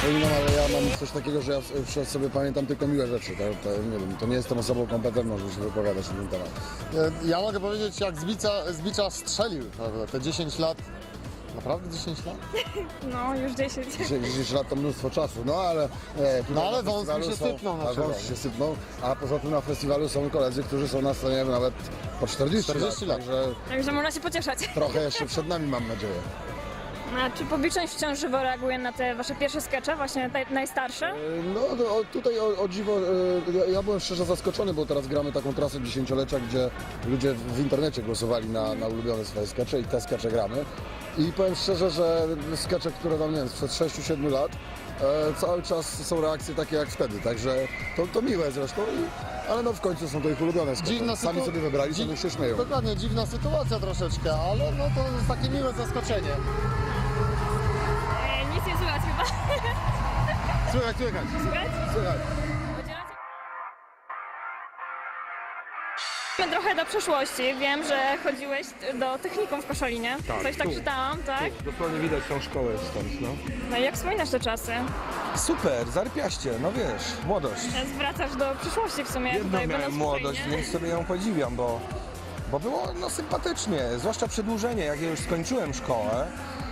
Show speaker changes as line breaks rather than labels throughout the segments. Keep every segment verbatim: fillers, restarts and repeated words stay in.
Zapominam, ale ja mam coś takiego, że ja w- sobie pamiętam tylko miłe rzeczy. To, to, nie wiem, to nie jestem osobą kompetentną, żeby się wypowiadać na ten temat.
E, Ja mogę powiedzieć, jak z bicia, z bicza strzelił, prawda? Te dziesięć lat. Naprawdę dziesięć lat?
No, już dziesięć.
dziesięć lat to mnóstwo czasu, no ale... E, tutaj
No ale
na
wąs
festiwalu
mi się
są-
sypnął na
a
przykład.
wąs się sypnął, a poza tym na festiwalu są koledzy, którzy są na scenie nawet po czterdzieści,
czterdzieści lat.
Także
Także można się pocieszać.
trochę jeszcze przed nami, mam nadzieję.
A czy publiczność wciąż żywo reaguje na te wasze pierwsze skecze, właśnie te najstarsze?
No, no o, tutaj o, o dziwo, e, ja, ja byłem szczerze zaskoczony, bo teraz gramy taką trasę dziesięciolecia, gdzie ludzie w internecie głosowali na, na ulubione swoje skecze i te skecze gramy. I powiem szczerze, że skecze, które tam, nie wiem, sprzed sześciu siedmiu lat, e, cały czas są reakcje takie jak wtedy, także to, to miłe zresztą, i, ale no w końcu są to ich ulubione skecze.
Dziwna
Sami
sytu-
sobie wybrali,
dzi-
sami się śmieją.
Dokładnie, dziwna sytuacja troszeczkę, ale no to jest takie miłe zaskoczenie.
E, nic nie słychać chyba.
Słychać, słychać.
Słychać?
Słuchaj,
Podzielacie? Trochę do przeszłości. Wiem, że chodziłeś do technikum w Koszalinie.
Tak,
Coś tak
tu.
czytałam, tak?
Dosłownie widać tą szkołę stąd, no.
No i jak wspominasz te czasy?
Super, zarypiaście, no wiesz, młodość.
Wracasz do przyszłości w sumie.
Jedną
tutaj,
miałem
będąc w
młodość,
Ukrainie.
więc sobie ją podziwiam, bo, bo było no sympatycznie, zwłaszcza przedłużenie, jak ja już skończyłem szkołę.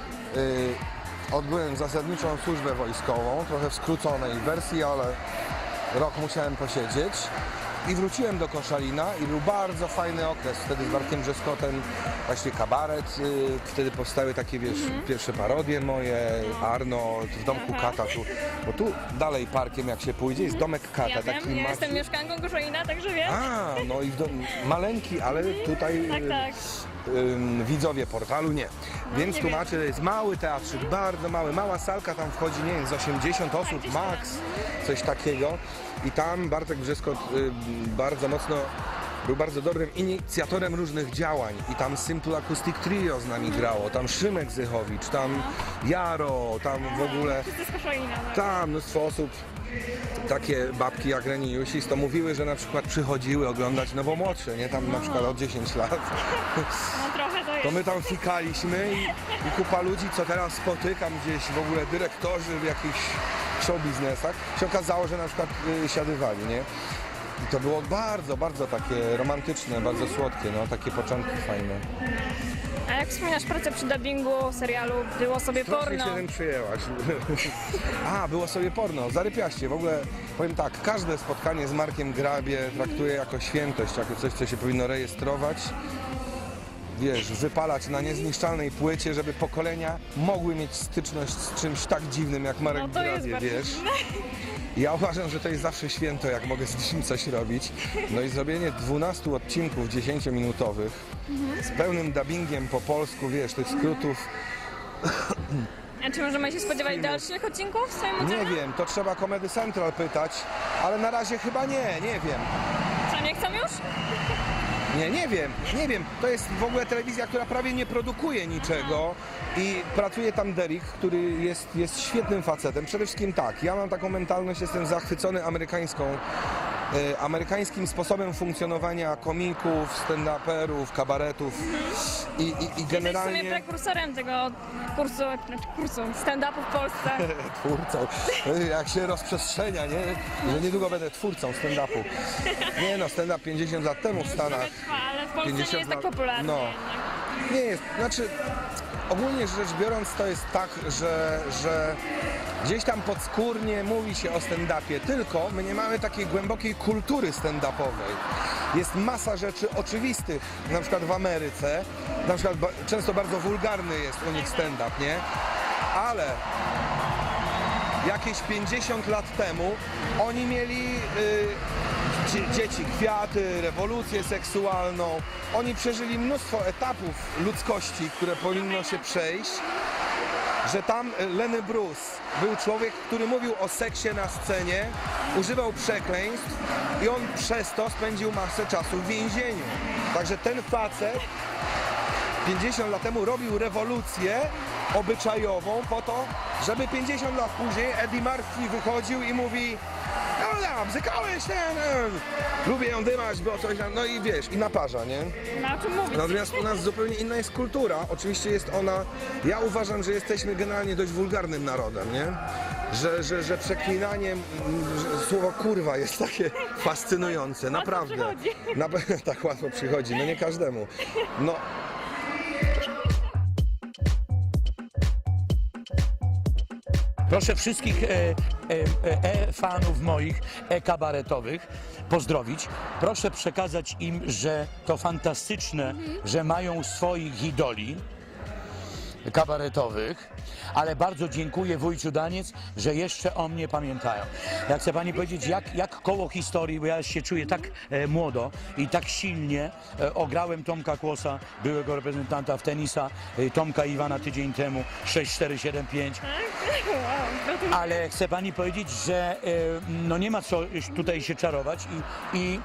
Yy, odbyłem zasadniczą służbę wojskową, trochę w skróconej wersji, ale rok musiałem posiedzieć. I wróciłem do Koszalina i był bardzo fajny okres. Wtedy z Bartkiem Brzeskotem właśnie kabaret. Yy, wtedy powstały takie, wiesz, pierwsze parodie moje, Arnold, w domku
Aha.
Kata. Tu, bo tu dalej parkiem jak się pójdzie jest domek Kata.
Ja
taki
wiem, ja
maciu-
jestem mieszkanką Koszalina, także wiem.
A, no i w dom... maleńki, ale tutaj
Tak,
y,
tak.
ym, widzowie portalu nie. Więc
nie
tłumaczę, to jest mały teatrzyk, bardzo mały, mała salka, tam wchodzi, nie wiem, z osiemdziesiąt osób
gdzieś
max, coś takiego. I tam Bartek Brzeskot y, bardzo mocno był bardzo dobrym inicjatorem różnych działań i tam Simple Acoustic Trio z nami grało, tam Szymek Zychowicz, tam Jaro, tam w ogóle,
Wszyscy z Koszalina. No.
tam mnóstwo osób. Takie babki jak Reni Jusis to mówiły, że na przykład przychodziły oglądać Nowomłodsze, nie? Tam na przykład od dziesięć lat.
no trochę to jest.
To my tam fikaliśmy i, i kupa ludzi, co teraz spotykam gdzieś, w ogóle dyrektorzy w jakichś show biznesach, się okazało, że na przykład y, siadywali, nie? I to było bardzo, bardzo takie romantyczne, bardzo słodkie, no, takie początki fajne.
A jak wspominasz pracę przy dubbingu serialu Było sobie
Strasznie
porno?
się tym przyjęłaś. A, było sobie porno, zarypiaście. W ogóle powiem tak, każde spotkanie z Markiem Grabie traktuję jako świętość, jako coś, co się powinno rejestrować. Wiesz, wypalać na niezniszczalnej płycie, żeby pokolenia mogły mieć styczność z czymś tak dziwnym jak Marek
No to jest
Grabie,
bardzo
wiesz.
dziwne.
Ja uważam, że to jest zawsze święto, jak mogę z nim coś robić. No i zrobienie dwunastu odcinków dziesięciominutowych z pełnym dubbingiem po polsku, wiesz, tych skrótów.
A czy możemy się spodziewać dalszych odcinków w swoim
Nie
udziale?
wiem, to trzeba Comedy Central pytać, ale na razie chyba nie, nie wiem.
Co, nie chcą już?
Nie, nie wiem, nie wiem. To jest w ogóle telewizja, która prawie nie produkuje niczego i pracuje tam Derek, który jest, jest świetnym facetem. Przede wszystkim tak, ja mam taką mentalność, jestem zachwycony amerykańską, e, amerykańskim sposobem funkcjonowania komików, stand-uperów, kabaretów i, i, i
Jesteś w sumie
generalnie...
prekursorem tego kursu, znaczy kursu stand-upu w Polsce.
Twórcą, jak się rozprzestrzenia, nie? Że niedługo będę twórcą stand-upu. Nie no, stand-up pięćdziesiąt lat temu w Stanach.
Trwa, ale w Polsce nie
pięćdziesiąt
jest tak
lat.
popularny
No.
jednak.
Nie jest, znaczy ogólnie rzecz biorąc to jest tak, że, że gdzieś tam podskórnie mówi się o stand-upie, tylko my nie mamy takiej głębokiej kultury stand-upowej. Jest masa rzeczy oczywistych, na przykład w Ameryce, na przykład ba- często bardzo wulgarny jest u nich stand-up, nie? Ale jakieś pięćdziesiąt lat temu oni mieli y, dzie- dzieci, kwiaty, rewolucję seksualną. Oni przeżyli mnóstwo etapów ludzkości, które powinno się przejść. Że tam y, Lenny Bruce był człowiek, który mówił o seksie na scenie, używał przekleństw i on przez to spędził masę czasu w więzieniu. Także ten facet pięćdziesiąt lat temu robił rewolucję obyczajową po to, żeby pięćdziesiąt lat później Eddie Murphy wychodził i mówi: no ja, bzykałeś ten, e, lubię ją dymać, bo coś tam, no i wiesz, i naparza, nie?
No o czym mówić?
Natomiast u nas zupełnie inna jest kultura, oczywiście jest ona, ja uważam, że jesteśmy generalnie dość wulgarnym narodem, nie? że, że, że przeklinanie mm, że słowo kurwa jest takie fascynujące, naprawdę.
przychodzi.
Na, tak łatwo przychodzi, no nie każdemu. No.
Proszę wszystkich e, e, e, fanów moich e-kabaretowych pozdrowić. Proszę przekazać im, że to fantastyczne, że mają swoich idoli kabaretowych, ale bardzo dziękuję wujciu Daniec, że jeszcze o mnie pamiętają. Ja chcę pani powiedzieć, jak, jak koło historii, bo ja się czuję tak e, młodo i tak silnie e, ograłem Tomka Kłosa, byłego reprezentanta w tenisa, e, Tomka Iwana tydzień temu, sześć cztery siedem pięć.
Wow, gratuluję.
Ale chcę pani powiedzieć, że e, no nie ma co tutaj się czarować i, i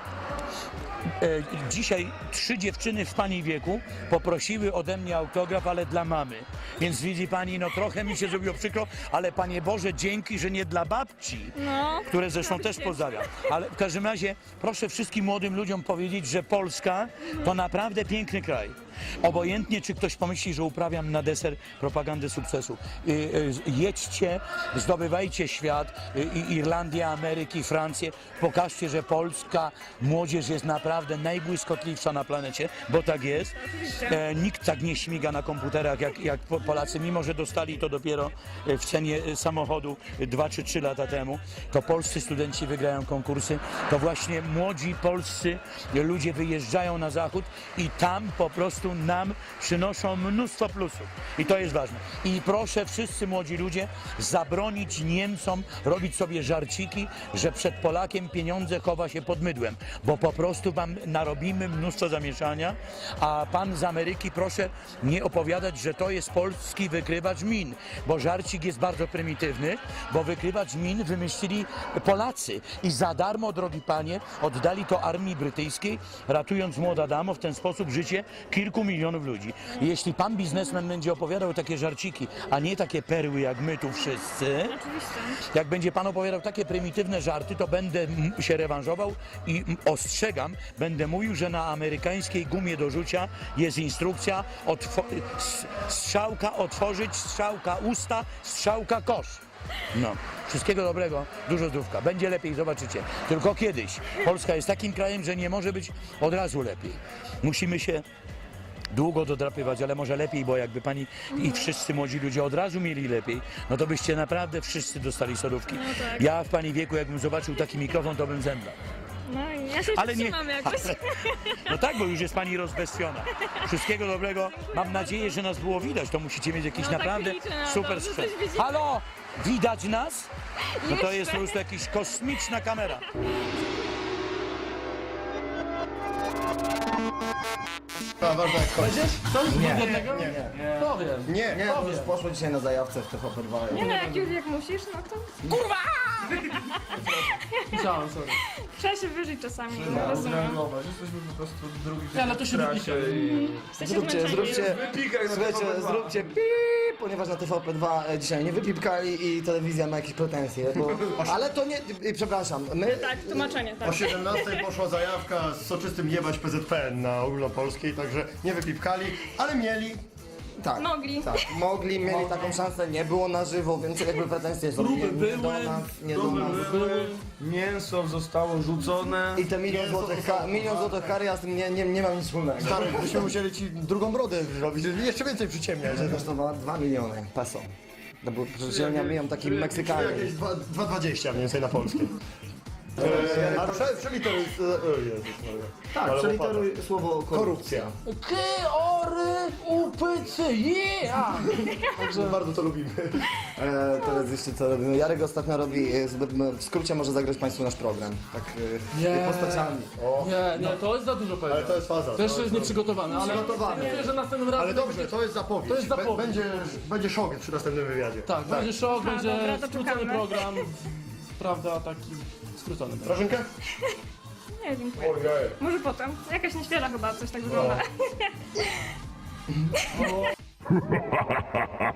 e, dzisiaj trzy dziewczyny w pani wieku poprosiły ode mnie autograf, ale dla mamy. Więc widzi pani, no trochę mi się zrobiło przykro, ale Panie Boże, dzięki, że nie dla babci,
No,
które zresztą też pozdrawiam. Ale w każdym razie proszę wszystkim młodym ludziom powiedzieć, że Polska to naprawdę piękny kraj. Obojętnie, czy ktoś pomyśli, że uprawiam na deser propagandę sukcesu. Y, y, jedźcie, zdobywajcie świat, y, y, Irlandię, Ameryki, Francję. Pokażcie, że polska młodzież jest naprawdę najbłyskotliwsza na planecie, bo tak jest. E, nikt tak nie śmiga na komputerach jak, jak po- Polacy, mimo że dostali to dopiero e, w cenie e, samochodu dwa czy trzy lata temu. To polscy studenci wygrają konkursy, to właśnie młodzi polscy ludzie wyjeżdżają na zachód i tam po prostu nam przynoszą mnóstwo plusów. I to jest ważne. I proszę wszyscy młodzi ludzie zabronić Niemcom robić sobie żarciki, że przed Polakiem pieniądze chowa się pod mydłem, bo po prostu wam narobimy mnóstwo zamieszania, a pan z Ameryki proszę nie opowiadać, że to jest polski wykrywacz min, bo żarcik jest bardzo prymitywny, bo wykrywacz min wymyślili Polacy i za darmo, drogi panie, oddali to armii brytyjskiej, ratując młoda damo w ten sposób życie kilku milionów ludzi. I jeśli pan biznesmen będzie opowiadał takie żarciki, a nie takie perły jak my tu wszyscy,
oczywiście.
jak będzie pan opowiadał takie prymitywne żarty, to będę m- się rewanżował i m- ostrzegam, będę mówił, że na amerykańskiej gumie do rzucia jest instrukcja otwo- s- strzałka otworzyć, strzałka usta, strzałka kosz. No, wszystkiego dobrego, dużo zdrówka. Będzie lepiej, zobaczycie. Tylko kiedyś. Polska jest takim krajem, że nie może być od razu lepiej. Musimy się długo dodrapywać, ale może lepiej, bo jakby pani i wszyscy młodzi ludzie od razu mieli lepiej, no to byście naprawdę wszyscy dostali sodówki.
tak.
Ja w pani wieku, jakbym zobaczył taki mikrofon, to bym zemdlał.
No i ja się
Ale nie.
trzymam jakoś.
Ale, no tak, bo już jest pani rozbestiona. Wszystkiego dobrego. Mam nadzieję, że nas było widać. To musicie mieć jakiś
No tak
naprawdę
liczę na to,
super
że
sprzęt.
coś widzimy.
Halo! Widać nas? No to
Jeszcze.
jest po prostu jakaś kosmiczna kamera.
A, ważne jak kończy. Nie,
Nie, to już poszło dzisiaj na zajawce w T V P dwa.
Nie no, jak już jak musisz, no to
Chciałem, sorry.
trzeba się wyżyć czasami, no, rozumiem.
Jesteśmy po prostu drugi Nie, ale to się wypisze.
Jesteście
Zróbcie,
zmęczeni.
zróbcie,
Wypikaj na
słuchajcie,
T V P dwa.
zróbcie pip, ponieważ na T V P dwa e, dzisiaj nie wypipkali i telewizja ma jakieś pretensje, bo... Ale to nie, i przepraszam, my...
Tak, tłumaczenie, tak.
O siedemnastej poszła zajawka z soczystym jebać P Z P N na ogólnopolskiej, także nie wypipkali, ale mieli.
Tak,
Mogli.
tak, mogli, mieli taką szansę, nie było na żywo, więc jakby pretensje są nie, nie
były,
do nas, nie do
próby
nas.
były.
Mięso zostało rzucone.
I te milion złotych, ka- milion złotych kary, ja z tym nie, nie, nie mam nic wspólnego.
Stary, byśmy musieli ci drugą brodę zrobić, żeby jeszcze więcej przyciemniać.
Kosztowała dwa miliony peso. To był przecież miałem taki Meksykanie.
Jakieś dwa dwadzieścia mniej więcej na polskie. Eee, a prze, przeliteruj... e, O Jezus Maria.
Tak,
Ale
przeliteruj słowo
Korupcja.
K, ory, upycy, yeah!
Także bardzo to lubimy.
E, teraz jeszcze co robimy? Jarek ostatnio robi, e, z- w skrócie może zagrać Państwu nasz program. Tak e,
Nie.
postaciami.
Nie, nie, to jest za dużo
Ale
powiedziane.
to jest faza.
To jeszcze jest nieprzygotowane, ale
Przygotowane.
myślę, że następnym razem...
Ale dobrze, to jest zapowiedź.
To jest zapowiedź.
Be- Będzie, będzie szok przy następnym wywiadzie.
Tak, będzie szok,
A,
będzie
dobra, to
skrócony
czekamy.
program, prawda, taki skrócony program.
Grażynkę?
Nie, dziękuję.
Ojej.
Może potem. Jakaś nieświeża chyba coś tak wygląda.